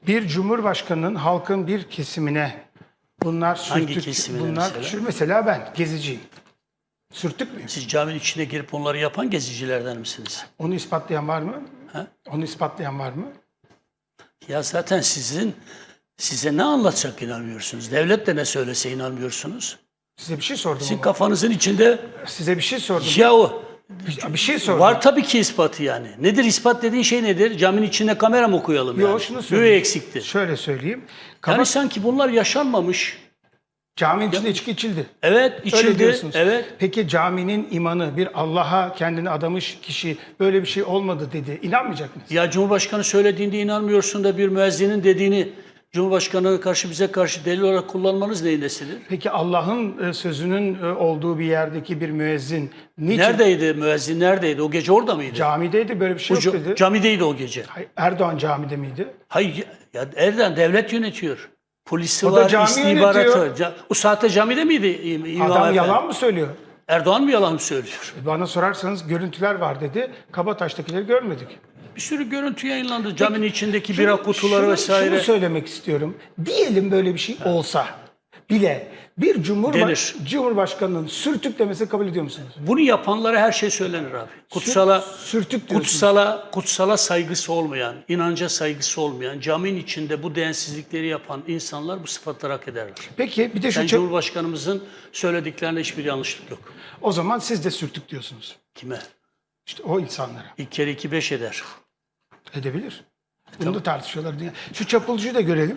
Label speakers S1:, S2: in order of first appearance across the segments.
S1: Bir cumhurbaşkanının halkın bir kesimine bunlar
S2: Hangi
S1: sürtük,
S2: kesimine
S1: bunlar
S2: mesela?
S1: şu mesela ben geziciyim. Sürtük müyüm?
S2: Siz caminin içine girip onları yapan gezicilerden misiniz?
S1: Onu ispatlayan var mı?
S2: Ha?
S1: Onu ispatlayan var mı?
S2: Ya zaten size ne anlatacak inanmıyorsunuz. Devlet de ne söylese inanmıyorsunuz.
S1: Size bir şey sordum
S2: Sizin
S1: ama.
S2: kafanızın içinde
S1: Size bir şey sordum.
S2: ya o
S1: Bir şey sordum.
S2: var tabii ki ispatı yani. Nedir ispat dediğin şey nedir? Caminin içinde kamera mı koyalım yani?
S1: Yok şunu
S2: Göğe
S1: söyleyeyim.
S2: eksikti.
S1: Şöyle söyleyeyim.
S2: Yani sanki bunlar yaşanmamış.
S1: Caminin içinde içki içildi.
S2: Evet
S1: Öyle
S2: içildi.
S1: diyorsunuz.
S2: Evet.
S1: Peki caminin imanı bir Allah'a kendini adamış kişi böyle bir şey olmadı dedi. İnanmayacak mısınız?
S2: Ya Cumhurbaşkanı söylediğinde inanmıyorsun da bir müezzinin dediğini Cumhurbaşkanı'na karşı bize karşı delil olarak kullanmanız neyin nesidir?
S1: Peki Allah'ın sözünün olduğu bir yerdeki bir müezzin niçin
S2: Neredeydi müezzin neredeydi? O gece orada mıydı?
S1: camideydi böyle bir şey yok dedi.
S2: Camideydi o gece.
S1: Hayır, Erdoğan camide miydi?
S2: Hayır ya Erdoğan devlet yönetiyor. Polisi
S1: O da
S2: var,
S1: cami
S2: istihbaratı
S1: yönetiyor.
S2: var. O saatte camide miydi İmam
S1: Adam
S2: Efendi?
S1: yalan mı söylüyor?
S2: Erdoğan mı yalan söylüyor?
S1: Bana sorarsanız görüntüler var dedi. Kabataş'takileri görmedik.
S2: Bir sürü görüntü yayınlandı. Caminin içindeki
S1: Şunu-
S2: bira kutuları
S1: şunu-
S2: vesaire.
S1: Şunu söylemek istiyorum. Diyelim böyle bir şey olsa bile bir
S2: Denir.
S1: Cumhurbaşkanının sürtüklemesi kabul ediyor musunuz?
S2: Bunu yapanlara her şey söylenir abi. Kutsala
S1: Sürtük diyorsunuz.
S2: kutsala saygısı olmayan, inanca saygısı olmayan, caminin içinde bu değersizlikleri yapan insanlar bu sıfatları hak ederler.
S1: Peki bir de şu
S2: Yani Cumhurbaşkanımızın söylediklerinde hiçbir yanlışlık yok.
S1: o zaman siz de sürtük diyorsunuz.
S2: Kime?
S1: İşte o insanlara.
S2: İlk kere 2-5 eder.
S1: Edebilir. Bunu da tartışıyorlar. Şu çapulcuyu da görelim.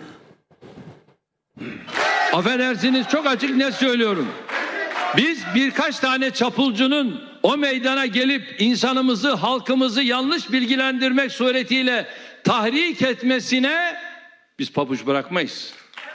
S3: Affedersiniz çok açık net söylüyorum. Biz birkaç tane çapulcunun o meydana gelip insanımızı, halkımızı yanlış bilgilendirmek suretiyle tahrik etmesine biz pabuç bırakmayız.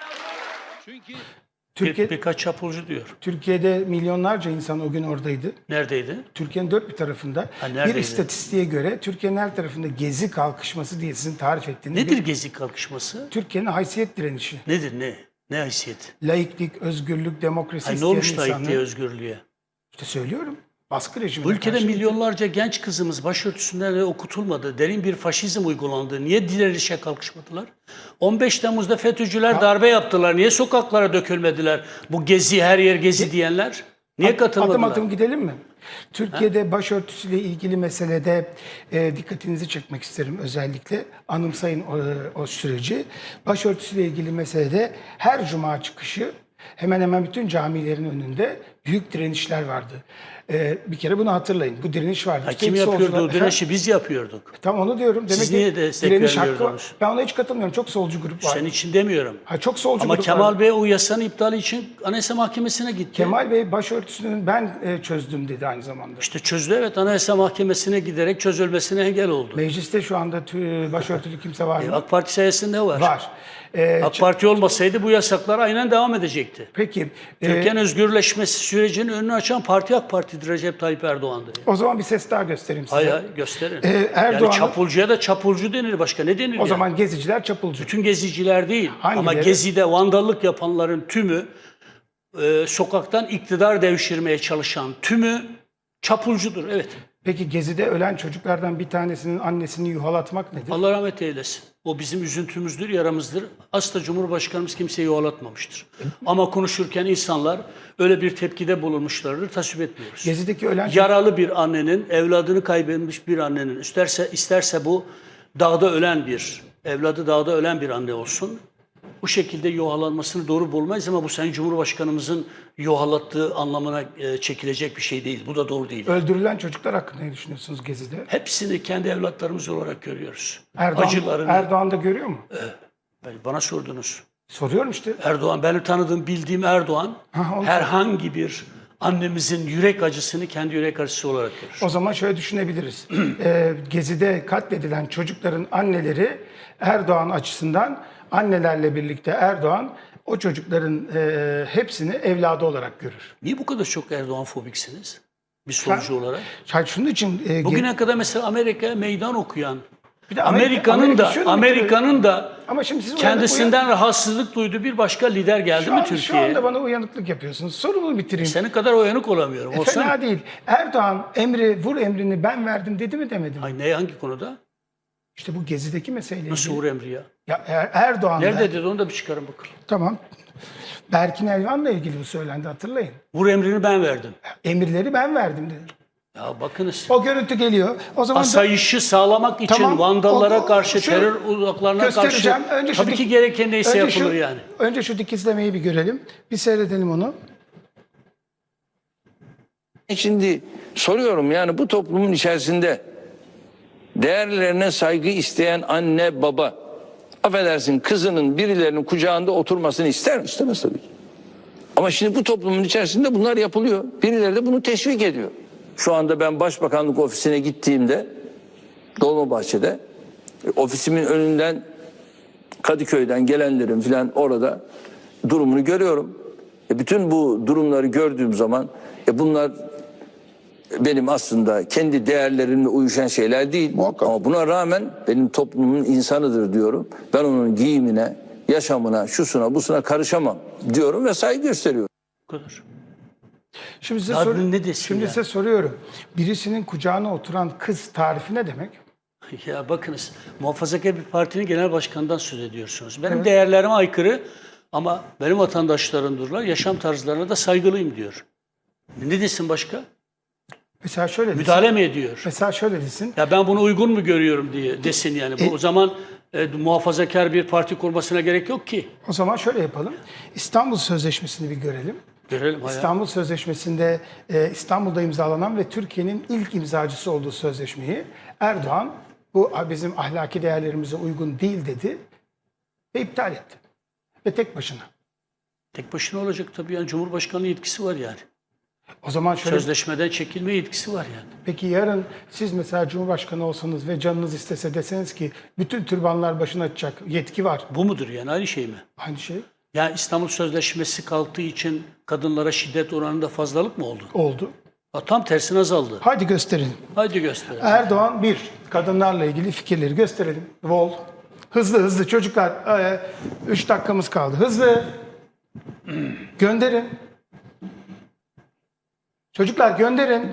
S3: Çünkü
S2: Birkaç çapulcu diyor.
S1: Türkiye'de milyonlarca insan o gün oradaydı.
S2: Neredeydi?
S1: Türkiye'nin dört bir tarafında. Bir
S2: neredeydi?
S1: istatistiğe göre Türkiye'nin her tarafında gezi kalkışması diye sizin tarif ettiğiniz
S2: Nedir
S1: bir
S2: Gezi kalkışması?
S1: Türkiye'nin haysiyet direnişi.
S2: Nedir ne? Ne haysiyet?
S1: Laiklik, özgürlük, demokrasi
S2: Ay ne
S1: isteyen
S2: olmuş
S1: insanlar.
S2: laikliğe, özgürlüğe?
S1: İşte söylüyorum. Baskı rejimine
S2: Bu ülkede
S1: karşı-
S2: milyonlarca genç kızımız başörtüsünden de okutulmadı. Derin bir faşizm uygulandı. Niye direnişe kalkışmadılar? 15 Temmuz'da FETÖ'cüler darbe yaptılar. Niye sokaklara dökülmediler? Bu gezi, her yer gezi diyenler. Niye katılmadılar?
S1: Adım adım gidelim mi? Türkiye'de başörtüsüyle ilgili meselede dikkatinizi çekmek isterim özellikle. Anımsayın o süreci. Başörtüsüyle ilgili meselede her cuma çıkışı hemen hemen bütün camilerin önünde büyük direnişler vardı. Bir kere bunu hatırlayın. Bu direniş vardı.
S2: Ha,
S1: Üstelik
S2: kim yapıyordu
S1: solcular-
S2: o direnişi? Biz yapıyorduk.
S1: Tam onu diyorum. Demek
S2: Siz
S1: ki
S2: niye destek
S1: direniş hakkı var.
S2: vermiyordunuz?
S1: Ben ona hiç katılmıyorum. Çok solcu grup var.
S2: Senin için demiyorum.
S1: Ha, çok solcu
S2: Ama
S1: grup
S2: Kemal
S1: var.
S2: Bey o yasanın iptali için Anayasa Mahkemesi'ne gitti.
S1: Kemal Bey başörtüsünün ben çözdüm dedi aynı zamanda.
S2: İşte çözdü, evet, Anayasa Mahkemesi'ne giderek çözülmesine engel oldu.
S1: Mecliste şu anda başörtülü kimse var mı?
S2: AK Parti sayesinde var.
S1: Var.
S2: AK Parti olmasaydı bu yasaklar aynen devam edecekti.
S1: Peki
S2: Türkiye'nin özgürleşmesi sürecinin önünü açan parti AK Parti'dir, Recep Tayyip Erdoğan'dır.
S1: o zaman bir ses daha göstereyim size.
S2: Hayır, gösterin.
S1: Erdoğan'ın-
S2: Yani çapulcuya da çapulcu denir, başka ne denir
S1: O
S2: yani?
S1: zaman geziciler çapulcu.
S2: Bütün geziciler değil.
S1: Hangileri?
S2: Ama gezide vandallık yapanların tümü, sokaktan iktidar devşirmeye çalışan tümü çapulcudur, evet.
S1: Peki Gezi'de ölen çocuklardan bir tanesinin annesini yuhalatmak nedir?
S2: Allah rahmet eylesin. O bizim üzüntümüzdür, yaramızdır. Asla Cumhurbaşkanımız kimseyi yuvalatmamıştır. Ama konuşurken insanlar öyle bir tepkide bulunmuşlardır, tasvip etmiyoruz.
S1: Gezi'deki ölen
S2: Yaralı bir annenin, evladını kaybetmiş bir annenin, isterse bu dağda ölen bir, evladı dağda ölen bir anne olsun, bu şekilde yuhalanmasını doğru bulmayız ama bu Sayın Cumhurbaşkanımızın yuhalattığı anlamına çekilecek bir şey değil. Bu da doğru değil.
S1: öldürülen çocuklar hakkında ne düşünüyorsunuz Gezi'de?
S2: Hepsini kendi evlatlarımız olarak görüyoruz.
S1: Erdoğan,
S2: Acılarını.
S1: Erdoğan da görüyor mu?
S2: Bana sordunuz.
S1: Soruyorum işte.
S2: Erdoğan, benim tanıdığım, bildiğim Erdoğan
S1: onu
S2: herhangi bir annemizin yürek acısını kendi yürek acısı olarak görür.
S1: O zaman şöyle düşünebiliriz. Gezi'de katledilen çocukların anneleri Erdoğan açısından annelerle birlikte Erdoğan o çocukların hepsini evladı olarak görür.
S2: Niye bu kadar çok Erdoğan fobiksiniz? Bir solcu olarak.
S1: Şunun için
S2: Bugüne kadar mesela Amerika'ya meydan okuyan,
S1: bir de
S2: Amerika'nın da
S1: ama şimdi siz
S2: kendisinden rahatsızlık duyduğu bir başka lider geldi mi
S1: şu
S2: Türkiye'ye?
S1: anda bana uyanıklık yapıyorsunuz. Sorumu bitireyim.
S2: Senin kadar uyanık olamıyorum. Olsan,
S1: Fena değil. Erdoğan vur emrini ben verdim dedi mi demedi mi?
S2: Ay ne, hangi konuda?
S1: İşte bu Gezi'deki meseleyle
S2: Nasıl
S1: ilgili.
S2: Uğur Emri ya?
S1: Ya Erdoğan'da...
S2: Nerede dedi onu da bir çıkarın bakalım.
S1: Tamam. Berkin Elvan'la ilgili bu söylendi, hatırlayın.
S2: Uğur Emri'ni ben verdim.
S1: Emirleri ben verdim dedi.
S2: Ya bakınız.
S1: O görüntü geliyor. O zaman
S2: Asayişi sağlamak için
S1: Tamam,
S2: Vandallara
S1: o-
S2: karşı,
S1: şu-
S2: terör uzaklarına karşı
S1: göstereceğim. Önce şu
S2: tabii
S1: dik-
S2: ki gereken neyse
S1: önce şu-
S2: yapılır yani.
S1: Önce şu dikizlemeyi bir görelim. Bir seyredelim onu.
S4: Şimdi soruyorum, yani bu toplumun içerisinde değerlerine saygı isteyen anne baba, affedersin, kızının birilerinin kucağında oturmasını ister mi? İstemez tabii ki. Ama şimdi bu toplumun içerisinde bunlar yapılıyor. Birileri de bunu teşvik ediyor. Şu anda ben Başbakanlık ofisine gittiğimde Dolmabahçe'de ofisimin önünden Kadıköy'den gelenlerin filan orada durumunu görüyorum. Bütün bu durumları gördüğüm zaman bunlar benim aslında kendi değerlerimle uyuşan şeyler değil.
S5: Muhakkak.
S4: Ama buna rağmen benim toplumun insanıdır diyorum. Ben onun giyimine, yaşamına, şusuna, busuna karışamam diyorum ve saygı gösteriyorum.
S2: Bu kadar.
S1: Şimdi size,
S2: Ya ne desin
S1: Şimdi
S2: ya?
S1: size soruyorum. Birisinin kucağına oturan kız tarifi ne demek?
S2: Ya bakınız, muhafazakar bir partinin genel başkanından söz ediyorsunuz. Benim değerlerime aykırı ama benim vatandaşlarımdırlar, yaşam tarzlarına da saygılıyım diyor. Ne desin başka?
S1: Mesela şöyle desin.
S2: Müdahale mi ediyor?
S1: Mesela şöyle desin.
S2: Ya ben bunu uygun mu görüyorum diye desin yani. Bu o zaman muhafazakar bir parti kurmasına gerek yok ki.
S1: O zaman şöyle yapalım. İstanbul Sözleşmesi'ni bir görelim.
S2: Görelim hayal.
S1: İstanbul Sözleşmesi'nde İstanbul'da imzalanan ve Türkiye'nin ilk imzacısı olduğu sözleşmeyi Erdoğan bu bizim ahlaki değerlerimize uygun değil dedi ve iptal etti. Ve tek başına.
S2: Tek başına olacak tabii yani Cumhurbaşkanlığı yetkisi var yani.
S1: O zaman şöyle
S2: Sözleşmeden çekilme yetkisi var yani.
S1: peki yarın siz mesela Cumhurbaşkanı olsanız ve canınız istese deseniz ki bütün türbanlar başına açacak yetki var.
S2: Bu mudur yani aynı şey mi?
S1: Aynı şey
S2: Yani İstanbul Sözleşmesi kalktığı için kadınlara şiddet oranında fazlalık mı oldu?
S1: oldu.
S2: Ha, tam tersine azaldı.
S1: Hadi gösterin.
S2: Haydi gösterelim.
S1: Erdoğan kadınlarla ilgili fikirleri gösterelim. Vol. Hızlı çocuklar. 3 dakikamız kaldı. Hızlı. Gönderin. Çocuklar gönderin.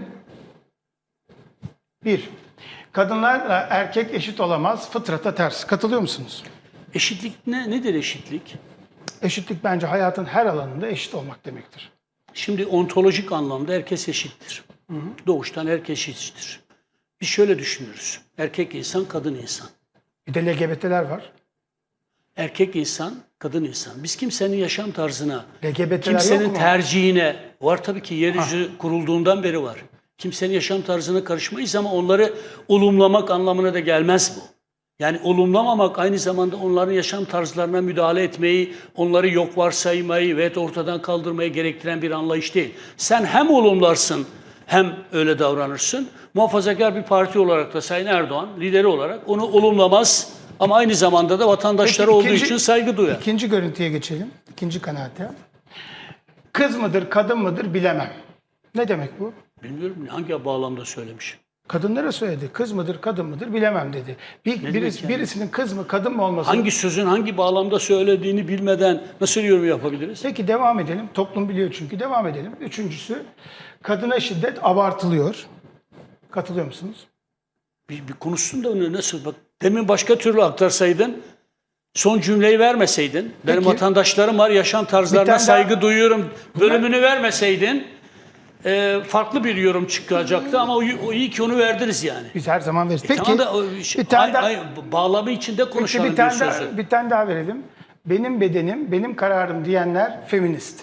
S1: 1. Kadınlarla erkek eşit olamaz. Fıtrata ters. Katılıyor musunuz?
S2: Eşitlik nedir eşitlik?
S1: Eşitlik bence hayatın her alanında eşit olmak demektir.
S2: Şimdi ontolojik anlamda herkes eşittir. Doğuştan herkes eşittir. Biz şöyle düşünürüz. Erkek insan, kadın insan.
S1: Bir de LGBT'ler var.
S2: Erkek insan, kadın insan. Biz kimsenin yaşam tarzına,
S1: LGBT'ler yok
S2: kimsenin
S1: mu?
S2: tercihine, var tabii ki yeryüzü kurulduğundan beri var. Kimsenin yaşam tarzına karışmayız ama onları olumlamak anlamına da gelmez bu. Yani olumlamamak aynı zamanda onların yaşam tarzlarına müdahale etmeyi, onları yok varsaymayı ve ortadan kaldırmayı gerektiren bir anlayış değil. Sen hem olumlarsın hem öyle davranırsın. Muhafazakar bir parti olarak da Sayın Erdoğan lideri olarak onu olumlamaz ama aynı zamanda da vatandaşları
S1: Peki,
S2: olduğu için saygı duyar.
S1: İkinci görüntüye geçelim. İkinci kanaate. Kız mıdır, kadın mıdır bilemem. Ne demek bu?
S2: Bilmiyorum hangi bağlamda söylemiş.
S1: Kadınlara söyledi. Kız mıdır, kadın mıdır bilemem dedi.
S2: demek yani?
S1: Birisinin kız mı, kadın mı olması.
S2: Hangi sözün hangi bağlamda söylediğini bilmeden nasıl yorum yapabiliriz?
S1: Peki devam edelim. Toplum biliyor çünkü. Devam edelim. Üçüncüsü, kadına şiddet abartılıyor. Katılıyor musunuz?
S2: Bir konuşsun da onu nasıl bak. Demin başka türlü aktarsaydın, son cümleyi vermeseydin, benim
S1: Peki.
S2: vatandaşlarım var, yaşam
S1: Bir
S2: tarzlarına
S1: tane
S2: saygı
S1: daha-
S2: duyuyorum bölümünü vermeseydin farklı bir yorum çıkacaktı ama o iyi ki onu verdiniz yani.
S1: Biz her zaman veririz. Peki
S2: Tamam da
S1: bir tane daha,
S2: bağlamı içinde
S1: peki,
S2: konuşalım
S1: bir tane
S2: bir
S1: daha,
S2: sözü.
S1: bir tane daha verelim. Benim bedenim, benim kararım diyenler feminist.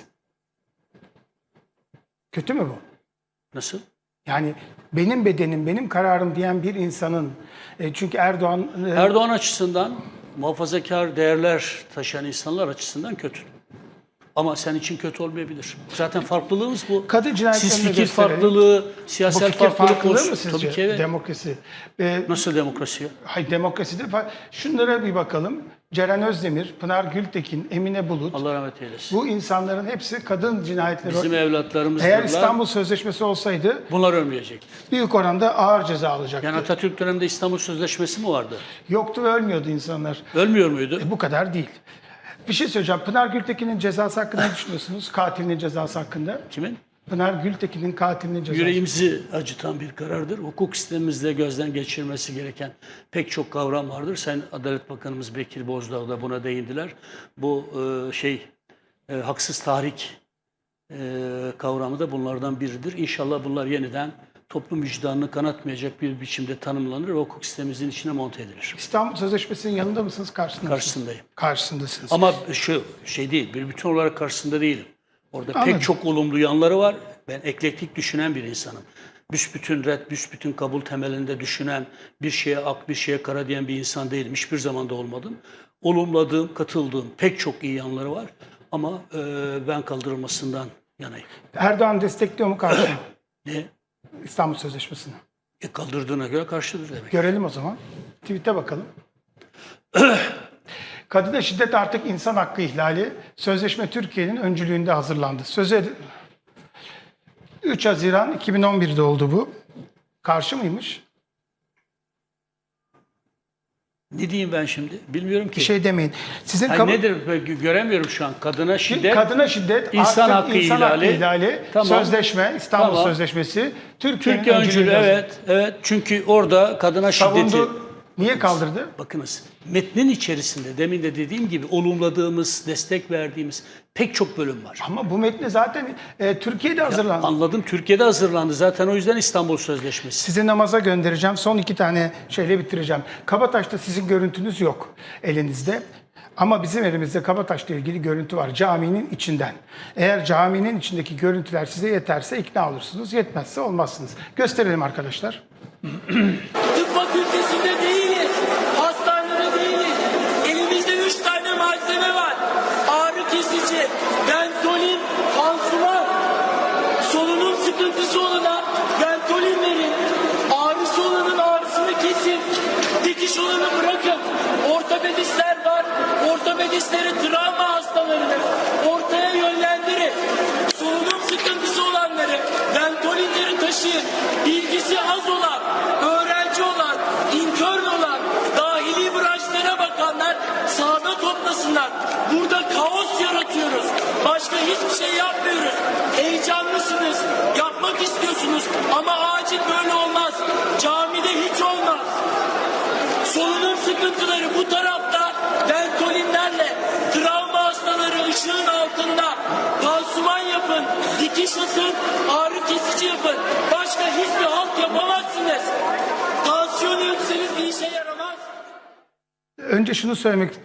S1: Kötü mü bu?
S2: Nasıl?
S1: Yani benim bedenim, benim kararım diyen bir insanın çünkü Erdoğan
S2: Erdoğan açısından muhafazakar değerler taşıyan insanlar açısından kötü. Ama sen için kötü olmayabilir. Zaten farklılığımız bu.
S1: Kadın cinayetlerini
S2: Siz
S1: de
S2: fikir
S1: gösterelim.
S2: farklılığı,
S1: bu
S2: siyasal
S1: fikir
S2: farklılık
S1: farklılığı
S2: olsun.
S1: mı sizce?
S2: Tabii ki evet.
S1: Demokrasi.
S2: Nasıl demokrasi ya?
S1: Hayır demokraside şunlara bir bakalım. Ceren Özdemir, Pınar Gültekin, Emine Bulut.
S2: Allah rahmet eylesin.
S1: Bu insanların hepsi kadın cinayetleri.
S2: Bizim evlatlarımız
S1: Eğer İstanbul Sözleşmesi olsaydı
S2: bunlar ölmeyecek.
S1: büyük oranda ağır ceza alacaktı.
S2: Yani Atatürk döneminde İstanbul Sözleşmesi mi vardı?
S1: Yoktu ve ölmüyordu insanlar.
S2: Ölmüyor muydu?
S1: Bu kadar değil. Bir şey söyleyeceğim. Pınar Gültekin'in cezası hakkında ne düşünüyorsunuz? Katilinin cezası hakkında.
S2: Kimin?
S1: Pınar Gültekin'in katilinin cezası.
S2: Yüreğimizi acıtan bir karardır. Hukuk sistemimizde gözden geçirmesi gereken pek çok kavram vardır. Sayın Adalet Bakanımız Bekir Bozdağ da buna değindiler. Bu haksız tahrik kavramı da bunlardan biridir. İnşallah bunlar yeniden toplum vicdanını kanatmayacak bir biçimde tanımlanır ve hukuk sistemimizin içine monte edilir.
S1: İstanbul Sözleşmesi'nin yanında mısınız, karşısında mısınız?
S2: Karşısındayım.
S1: Karşısındasınız.
S2: Ama şu şey değil, bir bütün olarak karşısında değilim. Orada
S1: Anladım.
S2: pek çok olumlu yanları var. Ben eklektik düşünen bir insanım. Büsbütün red, büsbütün kabul temelinde düşünen, bir şeye ak, bir şeye kara diyen bir insan değilim. Hiçbir zaman da olmadım. Olumladığım, katıldığım pek çok iyi yanları var. Ama ben kaldırılmasından yanayım.
S1: Erdoğan destekliyor mu, karşı mı?
S2: Ne?
S1: İstanbul Sözleşmesi'ni.
S2: Kaldırdığına göre karşıdır demek.
S1: Görelim o zaman. Tweet'e bakalım. Kadına şiddet artık insan hakkı ihlali. Sözleşme Türkiye'nin öncülüğünde hazırlandı. 3 Haziran 2011'de oldu bu. Karşı mıymış?
S2: Ne diyeyim ben şimdi? Bilmiyorum ki.
S1: Bir şey demeyin. Sizin
S2: Hayır, nedir? Ben göremiyorum şu an. Kadına şiddet.
S1: Kadına şiddet
S2: İnsan
S1: artık
S2: hakkı
S1: insan
S2: ihlali.
S1: hakkı ihlali.
S2: Tamam.
S1: Sözleşme, İstanbul
S2: Tamam.
S1: Sözleşmesi. Türkiye'nin
S2: Türkiye öncülüğü,
S1: öncülüğünde
S2: evet. Evet. Çünkü orada kadına şiddeti.
S1: savundu. Niye kaldırdı?
S2: Bakınız, metnin içerisinde demin de dediğim gibi olumladığımız, destek verdiğimiz pek çok bölüm var.
S1: Ama bu metni zaten Türkiye'de hazırlandı.
S2: Anladım, Türkiye'de hazırlandı. Zaten o yüzden İstanbul Sözleşmesi.
S1: Sizi namaza göndereceğim. Son 2 tane şeyle bitireceğim. Kabataş'ta sizin görüntünüz yok elinizde. Ama bizim elimizde Kabataş'la ilgili görüntü var. Caminin içinden. Eğer caminin içindeki görüntüler size yeterse ikna olursunuz. Yetmezse olmazsınız. Gösterelim arkadaşlar.
S5: Tıp fakültesinde değiliz. Hastanede değiliz. Elimizde 3 tane malzeme var. Ağrı kesici, benzolin, pansuman. Solunum sıkıntısı olana benzolin verin. Ağrısı olanın ağrısını kesin. Dikiş olanı bırakın. Ortopedistler var. Ortopedistleri travma hastalarını ortaya yönlendirin. Solunum sıkıntısı olanları benzolinleri taşıyın. Bilgisi az olan, öğrenci olan, intern olan, dahili branşlara bakanlar sahada toplasınlar. Burada kaos yaratıyoruz. Başka hiçbir şey yapmıyoruz. Heyecanlısınız, yapmak istiyorsunuz ama acil böyle olmaz. Camide hiç olmaz. Solunum sıkıntıları bu tarafta benzolinlerle, travma hastaları ışığın altında pansuman yapın, dikiş atın, ağrı kesici yapın. Başka hiçbir halt yapamazsınız. Tansiyon ölçseniz bir işe yaramaz.
S1: Önce şunu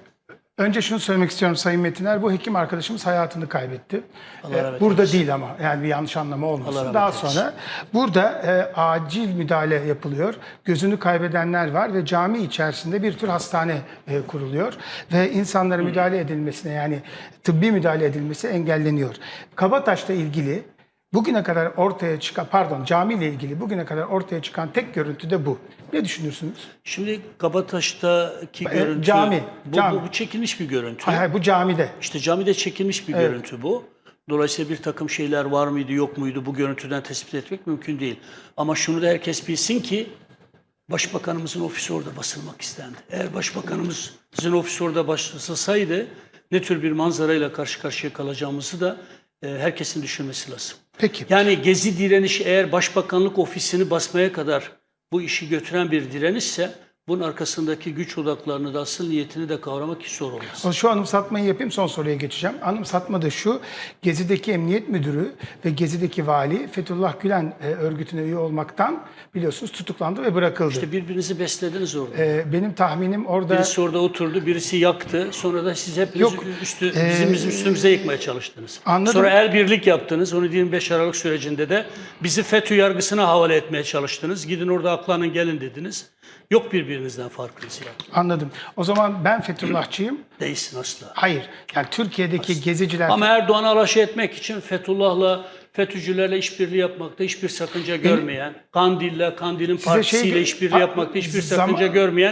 S1: söylemek istiyorum Sayın Metiner. Bu hekim arkadaşımız hayatını kaybetti.
S2: Allah rahmet
S1: Burada
S2: eylesin.
S1: değil ama yani bir yanlış anlama
S2: Allah
S1: olmasın.
S2: rahmet
S1: Daha
S2: eylesin.
S1: sonra burada acil müdahale yapılıyor. Gözünü kaybedenler var ve cami içerisinde bir tür hastane kuruluyor. Ve insanlara müdahale edilmesine, yani tıbbi müdahale edilmesi engelleniyor. Kabataş'la ilgili bugüne kadar ortaya çıkan, camiyle ilgili bugüne kadar ortaya çıkan tek görüntü de bu. Ne düşünürsünüz?
S2: Şimdi Kabataş'taki görüntü,
S1: cami.
S2: Bu çekilmiş bir görüntü.
S1: Hayır, bu camide.
S2: İşte camide çekilmiş bir görüntü bu. Dolayısıyla bir takım şeyler var mıydı, yok muydu bu görüntüden tespit etmek mümkün değil. Ama şunu da herkes bilsin ki Başbakanımızın ofisi orada basılmak istendi. Eğer Başbakanımızın ofisi orada basılsaydı ne tür bir manzarayla karşı karşıya kalacağımızı da herkesin düşünmesi lazım.
S1: Peki.
S2: Yani Gezi direnişi eğer Başbakanlık ofisini basmaya kadar bu işi götüren bir direnişse bunun arkasındaki güç odaklarını da asıl niyetini de kavramak hiç zor olmaz.
S1: Şu anımsatmayı yapayım, son soruya geçeceğim. Anımsatma da şu: Gezi'deki emniyet müdürü ve Gezi'deki vali Fethullah Gülen örgütüne üye olmaktan biliyorsunuz tutuklandı ve bırakıldı.
S2: İşte birbirinizi beslediniz orada.
S1: Benim tahminim orada...
S2: Birisi orada oturdu, birisi yaktı. Sonra da siz hepiniz
S1: Yok,
S2: bizim üstümüze yıkmaya çalıştınız.
S1: Anladım.
S2: Sonra el birlik yaptınız. Onu 25 Aralık sürecinde de bizi FETÖ yargısına havale etmeye çalıştınız. Gidin orada aklanın gelin dediniz. Yok birbirinizden farkınız ya.
S1: Anladım. O zaman ben Fethullahçıyım.
S2: Değilsin asla.
S1: Hayır. Yani Türkiye'deki geziciler...
S2: Ama Erdoğan'ı alaşağı etmek için Fethullah'la, FETÖ'cülerle işbirliği yapmakta hiçbir sakınca görmeyen, Kandil'in partisiyle işbirliği yapmakta hiçbir sakınca görmeyen,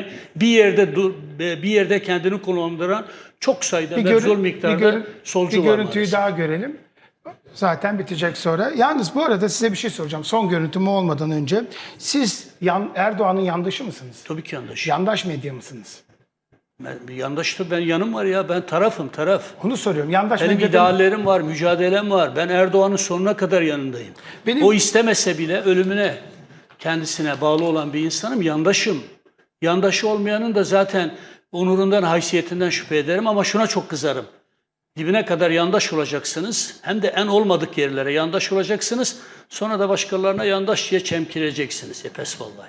S2: bir yerde kendini konumlandıran çok sayıda ve zor miktarda solcu var.
S1: Bir görüntüyü
S2: maalesef.
S1: daha görelim. Zaten bitecek sonra. Yalnız bu arada size bir şey soracağım. Son görüntüm olmadan önce. Siz Erdoğan'ın yandaşı mısınız?
S2: Tabii ki yandaş.
S1: Yandaş medya mısınız?
S2: Bir yandaşta ben yanım var ya, ben tarafım, taraf.
S1: Onu soruyorum. Yandaş
S2: Benim
S1: medyada
S2: ideallerim var, mücadelem var. Ben Erdoğan'ın sonuna kadar yanındayım. O istemese bile ölümüne kendisine bağlı olan bir insanım, yandaşım. Yandaşı olmayanın da zaten onurundan, haysiyetinden şüphe ederim ama şuna çok kızarım. Dibine kadar yandaş olacaksınız. Hem de en olmadık yerlere yandaş olacaksınız. Sonra da başkalarına yandaş diye çemkireceksiniz. Pes vallahi.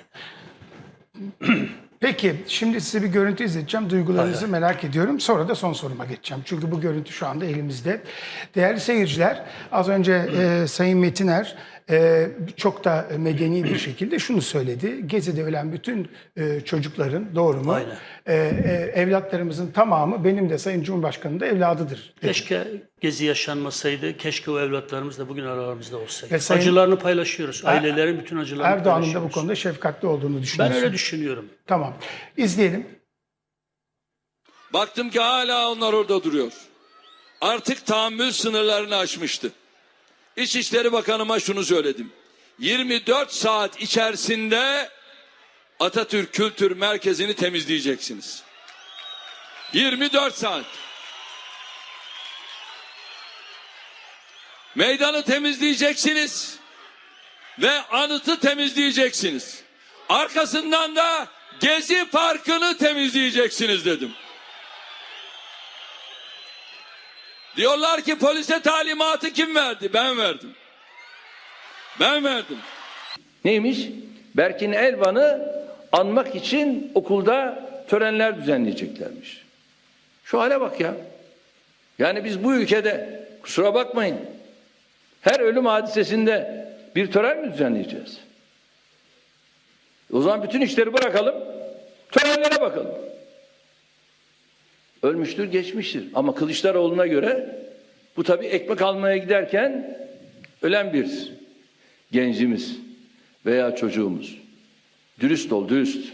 S1: Peki, şimdi size bir görüntü izleteceğim. Duygularınızı merak ediyorum. Sonra da son soruma geçeceğim. Çünkü bu görüntü şu anda elimizde. Değerli seyirciler, az önce Sayın Metiner çok da medeni bir şekilde şunu söyledi. Gezi'de ölen bütün çocukların, doğru mu?
S2: Aynen.
S1: Evlatlarımızın tamamı benim de Sayın Cumhurbaşkanı'nın da evladıdır dedi.
S2: Keşke Gezi yaşanmasaydı. Keşke o evlatlarımız da bugün aralarımızda olsaydı.
S1: Ve Sayın
S2: Acılarını paylaşıyoruz. Ailelerin bütün acılarını
S1: Erdoğan'ın da
S2: paylaşıyoruz.
S1: bu konuda şefkatli olduğunu
S2: Ben
S1: düşünüyorsun.
S2: öyle düşünüyorum.
S1: Tamam. İzleyelim.
S6: Baktım ki hala onlar orada duruyor. Artık tahammül sınırlarını aşmıştı. İçişleri Bakanıma şunu söyledim. 24 saat içerisinde Atatürk Kültür Merkezi'ni temizleyeceksiniz. 24 saat. Meydanı temizleyeceksiniz ve anıtı temizleyeceksiniz. Arkasından da Gezi Parkı'nı temizleyeceksiniz dedim. Diyorlar ki polise talimatı kim verdi? Ben verdim. Ben verdim.
S4: Neymiş? Berkin Elvan'ı anmak için okulda törenler düzenleyeceklermiş. Şu hale bak ya. Yani biz bu ülkede, kusura bakmayın, her ölüm hadisesinde bir tören mi düzenleyeceğiz? O zaman bütün işleri bırakalım, törenlere bakalım. Ölmüştür, geçmiştir. Ama Kılıçdaroğlu'na göre bu tabii ekmek almaya giderken ölen bir gencimiz veya çocuğumuz. Dürüst ol, dürüst.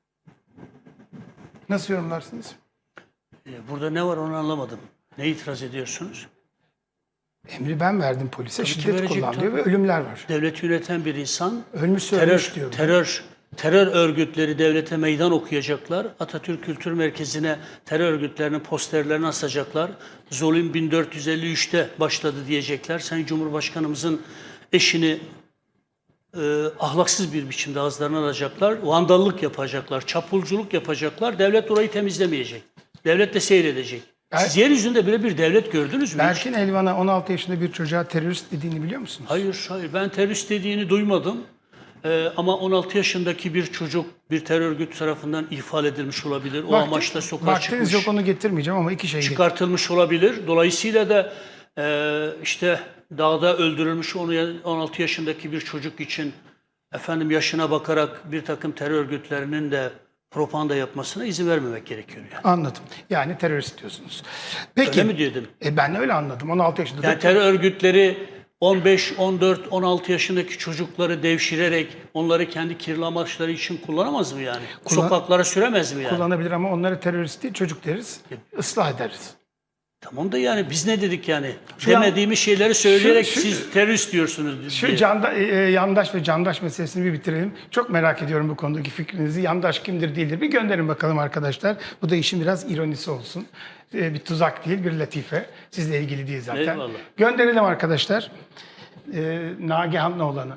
S1: Nasıl yorumlarsınız?
S2: Burada ne var onu anlamadım. Ne itiraz ediyorsunuz?
S1: Emri ben verdim polise,
S2: ki
S1: şiddet
S2: verecek
S1: kullanıyor
S2: tabii.
S1: ve ölümler var.
S2: Devleti yöneten bir insan
S1: Ölmüşse ölmüş diyor.
S2: terör örgütleri devlete meydan okuyacaklar. Atatürk Kültür Merkezi'ne terör örgütlerinin posterlerini asacaklar. Zulüm 1453'te başladı diyecekler. Sayın Cumhurbaşkanımızın eşini ahlaksız bir biçimde ağızlarına alacaklar. Vandallık yapacaklar, çapulculuk yapacaklar. Devlet orayı temizlemeyecek. Devlet de seyredecek. Siz yeryüzünde böyle bir devlet gördünüz mü?
S1: Berkin Elvan'a 16 yaşında bir çocuğa terörist dediğini biliyor musunuz?
S2: Hayır. Ben terörist dediğini duymadım. Ama 16 yaşındaki bir çocuk bir terör örgütü tarafından ihfal edilmiş olabilir. O amaçla sokağa
S1: vaktiniz
S2: çıkmış,
S1: yok, onu getirmeyeceğim ama iki şey
S2: çıkartılmış olabilir. Dolayısıyla da işte dağda öldürülmüş 16 yaşındaki bir çocuk için yaşına bakarak bir takım terör örgütlerinin de propaganda yapmasına izin vermemek gerekiyor yani.
S1: Anladım. Yani terörist diyorsunuz. Peki.
S2: Öyle mi dedim?
S1: Ben öyle anladım. 16 yaşında.
S2: Yani terör örgütleri 15, 14, 16 yaşındaki çocukları devşirerek onları kendi kirli amaçları için kullanamaz mı yani? Sokaklara süremez mi yani?
S1: Kullanabilir ama onları terörist değil, çocuk deriz. Islah ederiz.
S2: Tamam da yani biz ne dedik yani?
S1: Şu an-
S2: Demediğimiz şeyleri söyleyerek
S1: şu-
S2: siz terörist diyorsunuz
S1: Şu
S2: diye.
S1: yandaş ve candaş meselesini bir bitirelim. Çok merak ediyorum bu konudaki fikrinizi. Yandaş kimdir değildir bir gönderin bakalım arkadaşlar. Bu da işin biraz ironisi olsun. Bir tuzak değil, bir latife. Sizle ilgili değil zaten.
S2: Eyvallah.
S1: Gönderelim arkadaşlar. Nagihan Oğlan'ı.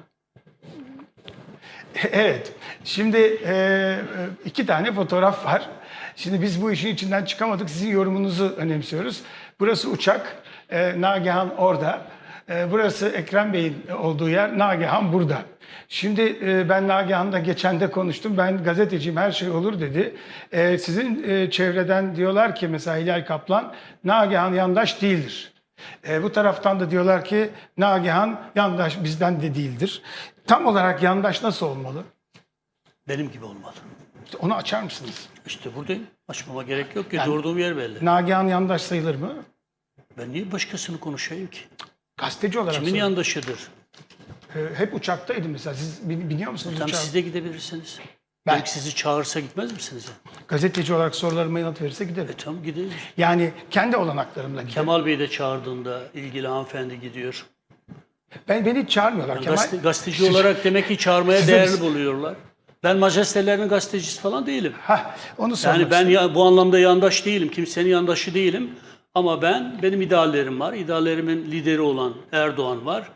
S1: Evet. Şimdi iki tane fotoğraf var. Şimdi biz bu işin içinden çıkamadık. Sizin yorumunuzu önemsiyoruz. Burası uçak. Nagihan orada. Burası Ekrem Bey'in olduğu yer. Nagihan burada. Şimdi ben Nagihan'la geçen de konuştum. Ben gazeteciyim, her şey olur dedi. Sizin çevreden diyorlar ki mesela Hilal Kaplan, Nagihan yandaş değildir. Bu taraftan da diyorlar ki Nagihan yandaş bizden de değildir. Tam olarak yandaş nasıl olmalı?
S2: Benim gibi olmalı.
S1: İşte onu açar mısınız?
S2: İşte buradayım. Açmama gerek yok ki. Durduğum yer belli.
S1: Nagihan yandaş sayılır mı?
S2: Ben niye başkasını konuşayım ki?
S1: Gazeteci olarak
S2: Kimin
S1: soruyorum.
S2: yandaşıdır?
S1: Hep uçaktaydım mesela. Siz biniyor musunuz
S2: Tam
S1: uçağa?
S2: siz de gidebilirsiniz.
S1: Ben-
S2: Belki sizi çağırsa gitmez misiniz?
S1: Gazeteci olarak sorularıma yanıt verirse giderim.
S2: Tamam gidelim.
S1: Yani kendi olanaklarımla giderim.
S2: Kemal Bey de çağırdığında ilgili hanımefendi gidiyor.
S1: Beni hiç çağırmıyorlar.
S2: Gazeteci olarak demek ki çağırmaya
S1: Size-
S2: değerli buluyorlar. Ben majestelerinin gazetecisi falan değilim.
S1: Onu sormak
S2: Yani ben
S1: istedim.
S2: bu anlamda yandaş değilim. Kimsenin yandaşı değilim. Ama benim ideallerim var. İdeallerimin lideri olan Erdoğan var.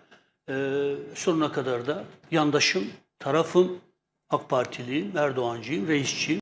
S2: Sonuna kadar da yandaşım, tarafım, AK Partiliyim, Erdoğancıyım, reisçiyim.